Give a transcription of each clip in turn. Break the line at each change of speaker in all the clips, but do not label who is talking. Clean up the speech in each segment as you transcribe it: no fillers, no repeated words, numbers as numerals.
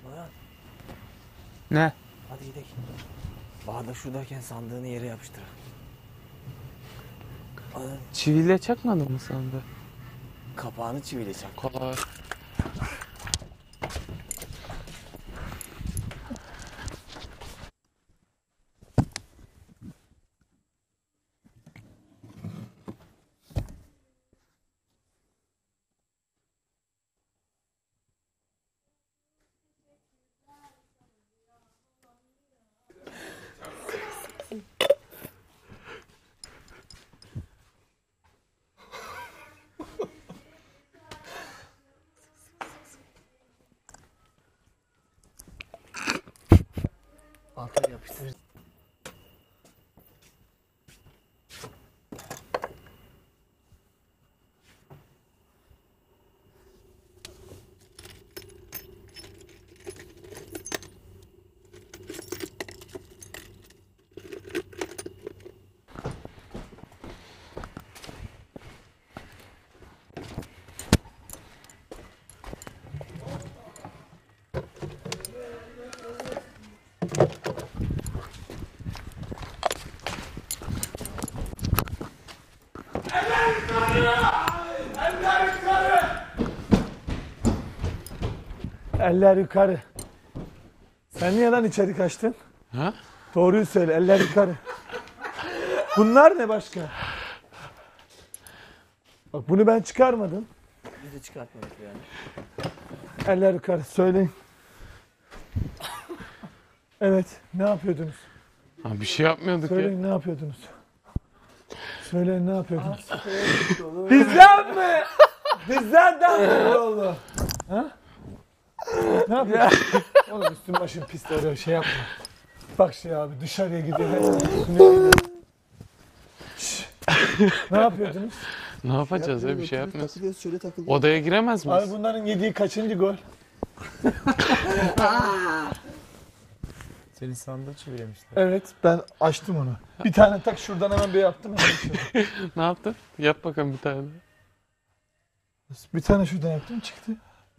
Ulan.
Ne?
Hadi gidelim. Bahadır şuradayken sandığını yere yapıştır.
Çiviyle çakmadın mı sandı?
Kapağını çiviyle çak.
Kolay.
Altına yapıştır.
Eller yukarı. Sen niye lan içeri kaçtın?
Ha?
Doğruyu söyle, eller yukarı. Bunlar ne başka? Bak bunu ben çıkarmadım.
Biz de çıkartmadık yani.
Eller yukarı, söyleyin. Evet, ne yapıyordunuz?
Ha, bir şey yapmıyorduk ya.
Söyleyin, ne yapıyordunuz? Söyleyin, ne yapıyordunuz? Bizden mi? Bizden mi oldu? Ha? Ne yapıyorsun? Oğlum üstün başın pis, öyle şey yapma. Bak şey abi, dışarıya gidiyor. Ne yapıyordunuz?
Ne yapacağız ya, bir şey yapmıyoruz.
Takılıyoruz, şöyle takılıyoruz.
Odaya giremez miyiz?
Abi bunların yediği kaçıncı gol?
Seni sandığı çevirmişler.
Evet, ben açtım onu. Bir tane tak şuradan hemen bir yaptım.
Ne yaptın? Yap bakalım bir tane.
Bir tane şuradan yaptım, çıktı.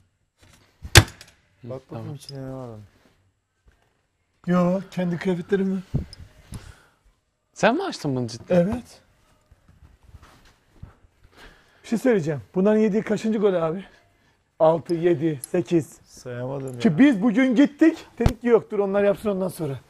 Bak bakayım
Tamam.
içinde ne var onun.
Yo, kendi kıyafetlerimi.
Sen mi açtın bunu cidden?
Evet. Bir şey söyleyeceğim. Bunların yediği kaçıncı gol abi? 6, 7, 8.
Sayamadım ya.
Ki biz bugün gittik. Dedik ki yok dur onlar yapsın ondan sonra.